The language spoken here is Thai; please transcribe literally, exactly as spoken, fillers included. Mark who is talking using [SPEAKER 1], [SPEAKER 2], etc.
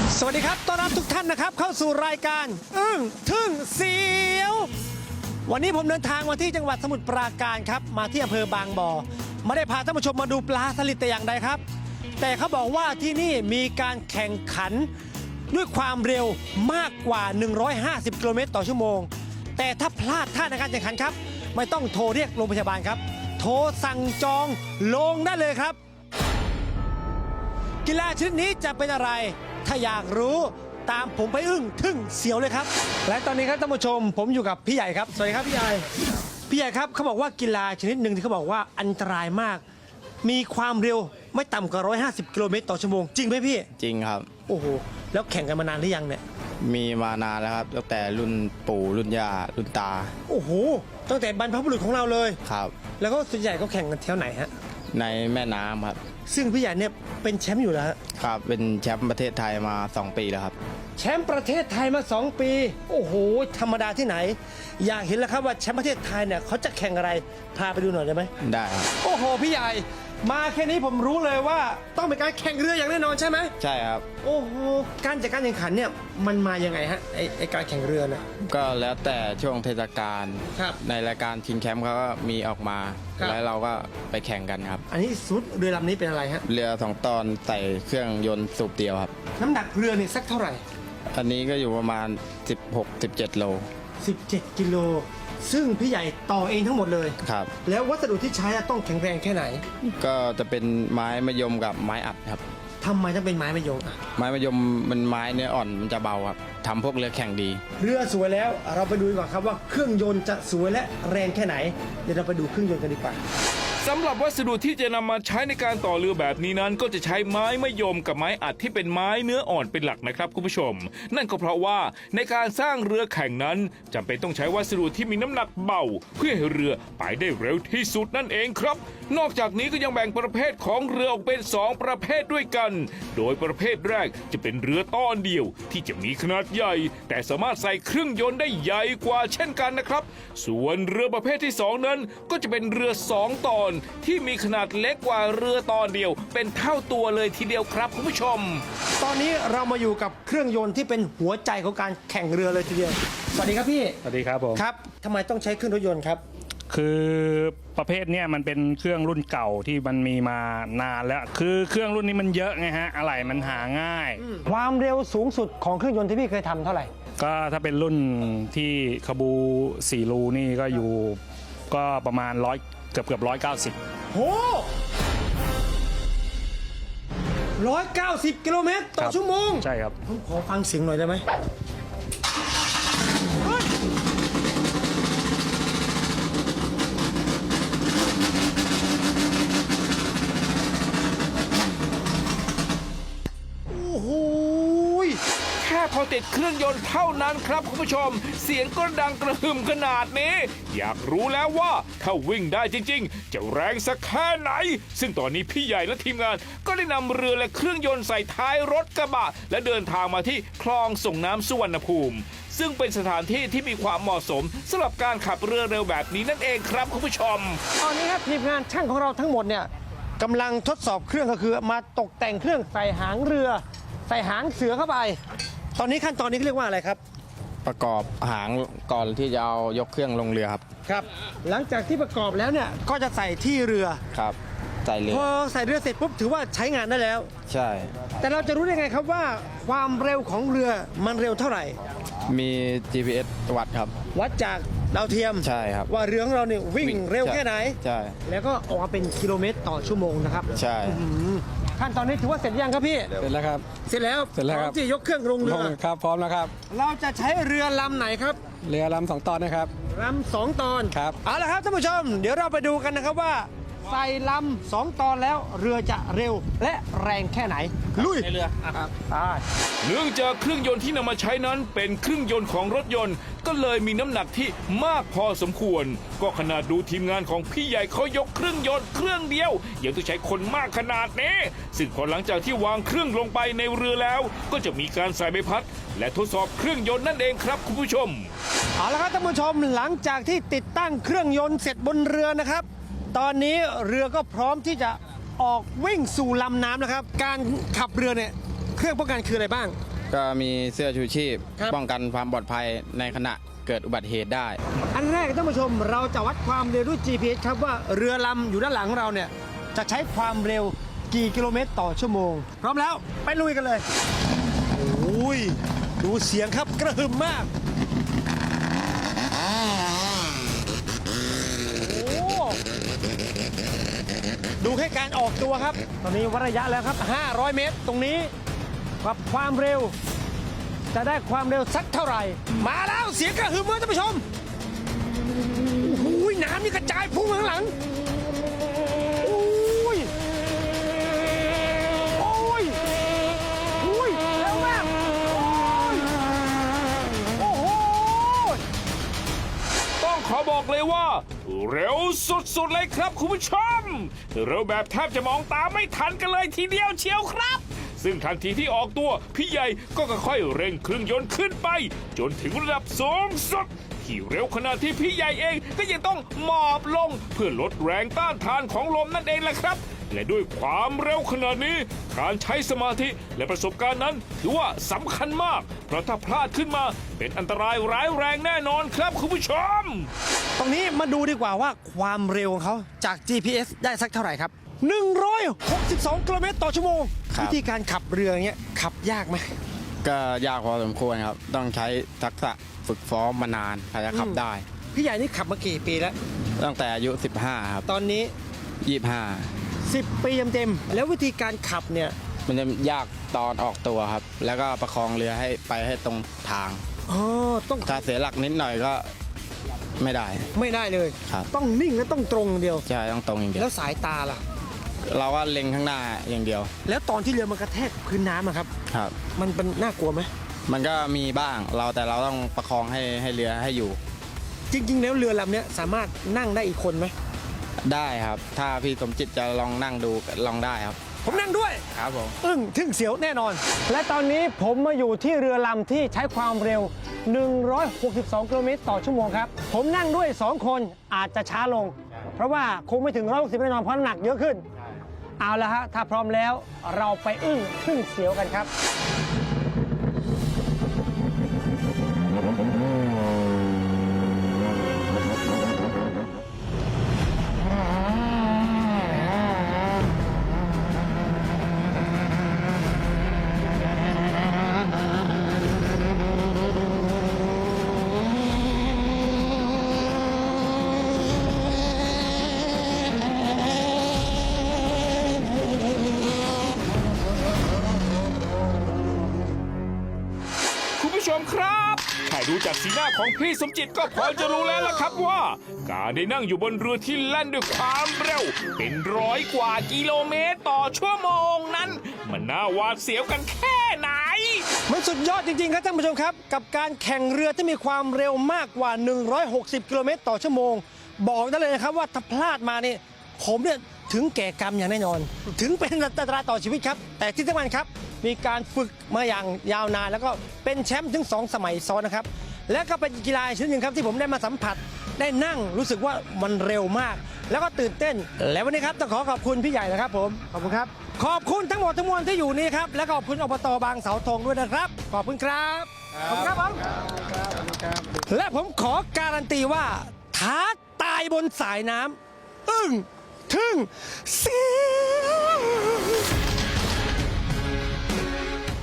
[SPEAKER 1] สวัสดีครับต้อนรับทุกท่านนะครับเข้าสู่รายการอึ้งทึ่งเสียววันนี้ผมเดินทางมาที่จังหวัดสมุทรปราการครับมาที่อำเภอบางบ่อไม่ได้พาท่านผู้ชมมาดูปลาสลิดแต่อย่างใดครับ แต่เขาบอกว่าที่นี่มีการแข่งขันด้วยความเร็วมากกว่าหนึ่งร้อยห้าสิบกิโลเมตรต่อชั่วโมงแต่ถ้าพลาดท่าในการแข่งขันครับไม่ต้องโทรเรียกโรงพยาบาลครับโทรสั่งจองลงได้เลยครับกีฬาชนิดนี้จะเป็นอะไรถ้าอยากรู้ตามผมไปอึ้งทึ่งเสียวเลยครับและตอนนี้ครับท่านผู้ชมผมอยู่กับพี่ใหญ่ครับสวัสดีครับพี่ใหญ่พี่ใหญ่ครับเขาบอกว่ากีฬาชนิดหนึ่งที่เขาบอกว่าอันตรายมากมีความเร็วไม่ต่ำกว่าหนึ่งร้อยห้าสิบกิโลเมตรต่อชั่วโมงจริงไหมพี่
[SPEAKER 2] จริงครับ
[SPEAKER 1] โอ้โหแล้วแข่งกันมานานหรือยังเนี่ย
[SPEAKER 2] มีมานานแล้วครับตั้งแต่รุ่นปู่รุ่นย่ารุ่นตา
[SPEAKER 1] โอ้โหตั้งแต่บรรพบุรุษของเราเลย
[SPEAKER 2] ครับ
[SPEAKER 1] แล้วก็ส่วนใหญ่ก็แข่งกันแถวไหนฮะ
[SPEAKER 2] ในแม่น้ำครับ
[SPEAKER 1] ซึ่งพี่ใหญ่เนี่ยเป็นแชมป์อยู่แล้ว
[SPEAKER 2] ครับเป็นแชมป์ประเทศไทยมาสองปีแล้วครับ
[SPEAKER 1] แชมป์ประเทศไทยมาสองปีโอ้โหธรรมดาที่ไหนอยากเห็นแล้วครับว่าแชมป์ประเทศไทยเนี่ยเขาจะแข่งอะไรพาไปดูหน่อยได้ไหม
[SPEAKER 2] ได้ครับ
[SPEAKER 1] โอ้โหพี่ใหญ่มาแค่นี้ผมรู้เลยว่าต้องเป็นการแข่งเรืออย่างแน่นอนใช่ไหม
[SPEAKER 2] ใช่ครับ
[SPEAKER 1] โอ้โหการจัดการแข่งขันเนี่ยมันมายังไงฮะไอไอการแข่งเรือเนี่ย
[SPEAKER 2] ก็แล้วแต่ช่วงเทศกาล
[SPEAKER 1] ครับ
[SPEAKER 2] ในรายการชิงแชมป์เขาก็มีออกมาแล้วเราก็ไปแข่งกันครับ
[SPEAKER 1] อันนี้สุดเรือลำนี้เป็นอะไรฮะ
[SPEAKER 2] เรือสองตอนใส่เครื่องยนต์สูบเดียวครับ
[SPEAKER 1] น้ำหนักเรือนี่สักเท่าไหร่
[SPEAKER 2] อันนี้ก็อยู่ประมาณสิบหก สิบเจ็ดโล
[SPEAKER 1] สิบเจ็ดกิโลซึ่งพี่ใหญ่ต่อเองทั้งหมดเลย
[SPEAKER 2] ครับ
[SPEAKER 1] แล้ววัสดุที่ใช้ต้องแข็งแรงแค่ไหน
[SPEAKER 2] ก็จะเป็นไม้มะยมกับไม้อัดครับ
[SPEAKER 1] ทำไมต้องเป็นไม้มะยม
[SPEAKER 2] ไม้มะยมมันไม้เนื้ออ่อนมันจะเบาครับทำพวกเรือแข่งดี
[SPEAKER 1] เรือสวยแล้วเราไปดูก่อนครับว่าเครื่องยนต์จะสวยและแรงแค่ไหนเดี๋ยวเราไปดูเครื่องยนต์กันดีกว่า
[SPEAKER 3] สำหรับวัสดุที่จะนำมาใช้ในการต่อเรือแบบนี้นั้นก็จะใช้ไม้มะยมกับไม้อัดที่เป็นไม้เนื้ออ่อนเป็นหลักนะครับคุณผู้ชมนั่นก็เพราะว่าในการสร้างเรือแข่งนั้นจำเป็นต้องใช้วัสดุที่มีน้ำหนักเบาเพื่อให้เรือไปได้เร็วที่สุดนั่นเองครับนอกจากนี้ก็ยังแบ่งประเภทของเรือออกเป็นสองประเภทด้วยกันโดยประเภทแรกจะเป็นเรือต้อนเดียวที่จะมีขนาดใหญ่แต่สามารถใส่เครื่องยนต์ได้ใหญ่กว่าเช่นกันนะครับส่วนเรือประเภทที่สองนั้นก็จะเป็นเรือสองตอนที่มีขนาดเล็กกว่าเรือตอนเดียวเป็นเท่าตัวเลยทีเดียวครับคุณผู้ชม
[SPEAKER 1] ตอนนี้เรามาอยู่กับเครื่องยนต์ที่เป็นหัวใจของการแข่งเรือเลยทีเดียวสวัสดีครับพี่
[SPEAKER 4] สวัสดีครับผม
[SPEAKER 1] ครับทำไมต้องใช้เครื่องรถยนต์ครับ
[SPEAKER 4] คือประเภทเนี้ยมันเป็นเครื่องรุ่นเก่าที่มันมีมานานแล้วคือเครื่องรุ่นนี้มันเยอะไงฮะอะไหล่มันหาง่าย
[SPEAKER 1] ความเร็วสูงสุดของเครื่องยนต์ที่พี่เคยทำเท่าไหร่
[SPEAKER 4] ก็ถ้าเป็นรุ่นที่คาบูสี่รูนี่ก็อยู่ก็ประมาณร้อยเกือบเกือบร้อยเก้าสิบ
[SPEAKER 1] โหร้อยเก้าสิบกิโลเมตรต่อชั่วโมง
[SPEAKER 4] ใช่ครับ
[SPEAKER 1] ผมขอฟังเสียงหน่อยได้ไหม
[SPEAKER 3] แค่พอติดเครื่องยนต์เท่านั้นครับคุณผู้ชมเสียงก็ดังกระหึ่มขนาดนี้อยากรู้แล้วว่าถ้าวิ่งได้จริงๆจะแรงสักแค่ไหนซึ่งตอนนี้พี่ใหญ่และทีมงานก็ได้นำเรือและเครื่องยนต์ใส่ท้ายรถกระบะและเดินทางมาที่คลองส่งน้ำสุวรรณภูมิซึ่งเป็นสถานที่ที่มีความเหมาะสมสำหรับการขับเรือเร็วแบบนี้นั่นเองครับคุณผู้ชม
[SPEAKER 1] ตอนนี้ครับทีมงานช่างของเราทั้งหมดเนี่ยกำลังทดสอบเครื่องก็คือมาตกแต่งเครื่องใส่หางเรือใส่หางเสือเข้าไปตอนนี้ขั้นตอนนี้เรียกว่าอะไรครับ
[SPEAKER 2] ประกอบหางก่อนที่จะเอายกเครื่องลงเรือครับ
[SPEAKER 1] ครับหลังจากที่ประกอบแล้วเนี่ยก็จะใส่ที่เรือ
[SPEAKER 2] ครับใส่เรือ
[SPEAKER 1] พอใส่เรือเสร็จปุ๊บถือว่าใช้งานได้แล้ว
[SPEAKER 2] ใช่
[SPEAKER 1] แต่เราจะรู้ได้ไงครับว่าความเร็วของเรือมันเร็วเท่าไหร่
[SPEAKER 2] มี จี พี เอส วัดครับ
[SPEAKER 1] วัดจากดาวเทียม
[SPEAKER 2] ใช่ครับ
[SPEAKER 1] ว่าเรือของเราเนี่ยวิ่งเร็วแค่ไหน
[SPEAKER 2] ใช่
[SPEAKER 1] แล้วก็ออกมาเป็นกิโลเมตรต่อชั่วโมงนะครับ
[SPEAKER 2] ใช่
[SPEAKER 1] ขั้นตอนนี้ถือว่าเสร็จยังครับพี่
[SPEAKER 5] เสร็จแล้วครับ
[SPEAKER 1] เสร็จแล้ว
[SPEAKER 5] เสร็จแล้วครับ
[SPEAKER 1] ที่ยกเครื่องลงเรือ
[SPEAKER 5] ครับพร้อมแล้วครับ
[SPEAKER 1] เราจะใช้เรือลำไหนครับ
[SPEAKER 5] เรือลำสองตอนนะครับ
[SPEAKER 1] ลำสองตอน
[SPEAKER 5] ครับ
[SPEAKER 1] เอาละครับท่านผู้ชมเดี๋ยวเราไปดูกันนะครับว่าใส่ลำสองตอนแล้วเรือจะเร็วและแรงแค่ไหนลุย
[SPEAKER 3] ในเรือ
[SPEAKER 1] ครับ
[SPEAKER 3] เนื่องจากเครื่องยนต์ที่นำมาใช้นั้นเป็นเครื่องยนต์ของรถยนต์ก็เลยมีน้ำหนักที่มากพอสมควรก็ขนาดดูทีมงานของพี่ใหญ่เขายกเครื่องยนต์เครื่องเดียวยังต้องใช้คนมากขนาดนี้ซึ่งพอหลังจากที่วางเครื่องลงไปในเรือแล้วก็จะมีการใส่ใบพัดและทดสอบเครื่องยนต์นั่นเองครับคุณผู้ชม
[SPEAKER 1] เอาละครับท่านผู้ชมหลังจากที่ติดตั้งเครื่องยนต์เสร็จบนเรือนะครับตอนนี้เรือก็พร้อมที่จะออกวิ่งสู่ลำน้ำนะครับการขับเรือเนี่ยเครื่องป้องกันคืออะไรบ้าง
[SPEAKER 2] ก็มีเสื้อชูชีพ
[SPEAKER 1] ครับ
[SPEAKER 2] ป้องกันความปลอดภัยในขณะเกิดอุบัติเหตุได้
[SPEAKER 1] อันแรกท่านผู้ชมเราจะวัดความเร็วด้วย จี พี เอส ครับว่าเรือลำอยู่ด้านหลังของเราเนี่ยจะใช้ความเร็วกี่กิโลเมตรต่อชั่วโมง พร้อมแล้วไปลุยกันเลยโอ้ยดูเสียงครับกระหึ่มมากโอ้ดูแค่การออกตัวครับ ตอนนี้วัดระยะแล้วครับ ห้าร้อย เมตร ตรงนี้กับความเร็ว จะได้ความเร็วสักเท่าไหร่ มาแล้วเสียงกระหึ่มเลยท่านผู้ชมโอ้ยน้ำนี่กระจายพุ่งข้างหลังโอ้ยโอ้ยโอ้ยเร็วมากโอ้ยโอ้โห
[SPEAKER 3] ต้องขอบอกเลยว่า เร็วสุดๆเลยครับคุณผู้ชม เร็วแบบแทบจะมองตามไม่ทันกันเลยทีเดียวเชียวครับ ซึ่งทันทีที่ออกตัวพี่ใหญ่ก็ค่อยๆเร่งเครื่องยนต์ขึ้นไป จนถึงระดับสูงสุดที่เร็วขนาดที่พี่ใหญ่เองก็ยังต้องหมอบลงเพื่อลดแรงต้านทานของลมนั่นเองแหละครับ และด้วยความเร็วขนาดนี้การใช้สมาธิและประสบการณ์นั้นถือว่าสำคัญมาก เพราะถ้าพลาดขึ้นมาเป็นอันตรายร้ายแรงแน่นอนครับคุณผู้ชม
[SPEAKER 1] ตรงนี้มาดูดีกว่าว่าความเร็วของเขาจาก จี พี เอส ได้สักเท่าไหร่ครับ หนึ่งร้อยหกสิบสอง กิโลเมตรต่อชั่วโมง
[SPEAKER 2] ครับ
[SPEAKER 1] วิธีการขับเรืออย่างเงี้ยขับยากไหม
[SPEAKER 2] ก็ยากพอสมควรครับ ต้องใช้ทักษะฝึกซ้อมมานานถึงจะขับได้
[SPEAKER 1] พี่ใหญ่นี่ขับมากี่ปีแล้ว
[SPEAKER 2] ตั้งแต่อายุ สิบห้า ครับ
[SPEAKER 1] ตอนนี้
[SPEAKER 2] ยี่สิบห้า
[SPEAKER 1] สิบ ปีเต็มๆแล้ววิธีการขับเนี่ย
[SPEAKER 2] มันจะยากตอนออกตัวครับ แล้วก็ประคองเรือให้ไปให้ตรงทาง
[SPEAKER 1] อ๋อต้อง
[SPEAKER 2] ถ้าเสียหลักนิดหน่อยก็ไม่ได้
[SPEAKER 1] ไม่ได้เลย
[SPEAKER 2] ครับ
[SPEAKER 1] ต้องนิ่งและต้องตรงอย่างเดียว
[SPEAKER 2] ใช่ต้องตรงอย่างเดีย
[SPEAKER 1] แล้ว วสายตาล่ะ
[SPEAKER 2] เราก็เล็งข้างหน้าอย่างเดียว
[SPEAKER 1] แล้วตอนที่เรือมันกระแทกพื้นน้ำอะครับ
[SPEAKER 2] ครับ
[SPEAKER 1] มันเป็นน่ากลัวไหม
[SPEAKER 2] มันก็มีบ้างเราแต่เราต้องประคองให้ให้เรือให้อยู่
[SPEAKER 1] จริง ๆ แล้วเรือลำเนี้ยสามารถนั่งได้อีกคนไหม
[SPEAKER 2] ได้ครับ ถ้าพี่สมจิตจะลองนั่งดูลองได้ครับ
[SPEAKER 1] ผมนั่งด้วย
[SPEAKER 2] ครับผม
[SPEAKER 1] อึ้งทึ่งเสียวแน่นอน และตอนนี้ผมมาอยู่ที่เรือลำที่ใช้ความเร็ว หนึ่งร้อยหกสิบสอง กิโลเมตรต่อชั่วโมงครับ ผมนั่งด้วย สอง คนอาจจะช้าลง เพราะว่าคงไม่ถึงหนึ่งร้อยหกสิบแน่นอนเพราะน้ำหนักเยอะขึ้น เอาละฮะ ถ้าพร้อมแล้วเราไปอึ้งทึ่งเสียวกันครับ
[SPEAKER 3] คุณผู้ชมครับถ้าดูจากสีหน้าของพี่สมจิตก็พอจะรู้แล้วล่ะครับว่า การได้นั่งอยู่บนเรือที่แล่นด้วยความเร็ว เป็นร้อยกว่ากิโลเมตรต่อชั่วโมงนั้น มันน่าหวาดเสียวกันแค่ไหน
[SPEAKER 1] มันสุดยอดจริง ๆ ครับท่านผู้ชมครับ กับการแข่งเรือที่มีความเร็วมากกว่า หนึ่งร้อยหกสิบ กิโลเมตรต่อชั่วโมง บอกได้เลยนะครับว่าถ้าพลาดมาเนี่ยผมเนี่ยถึงแก่กรรมอย่างแน่นอน ถึงเป็นอันตรายต่อชีวิตครับ แต่ที่สำคัญครับ มีการฝึกมาอย่างยาวนาน แล้วก็เป็นแชมป์ถึงสองสมัยซ้อนนะครับ และก็เป็นกีฬาชนิดหนึ่งครับที่ผมได้มาสัมผัส ได้นั่งรู้สึกว่ามันเร็วมาก แล้วก็ตื่นเต้น และวันนี้ครับต้องขอขอบคุณพี่ใหญ่นะครับผม ขอบคุณครับ ขอบคุณทั้งหมดทั้งมวลที่อยู่นี่ครับ และก็ขอบคุณอบตบางเสาธงด้วยนะครับ ขอบคุณครับ ขอบคุณครับผมและผมขอการันตีว่าท้าตายบนสายน้ำอึ้งทึ่งเสียว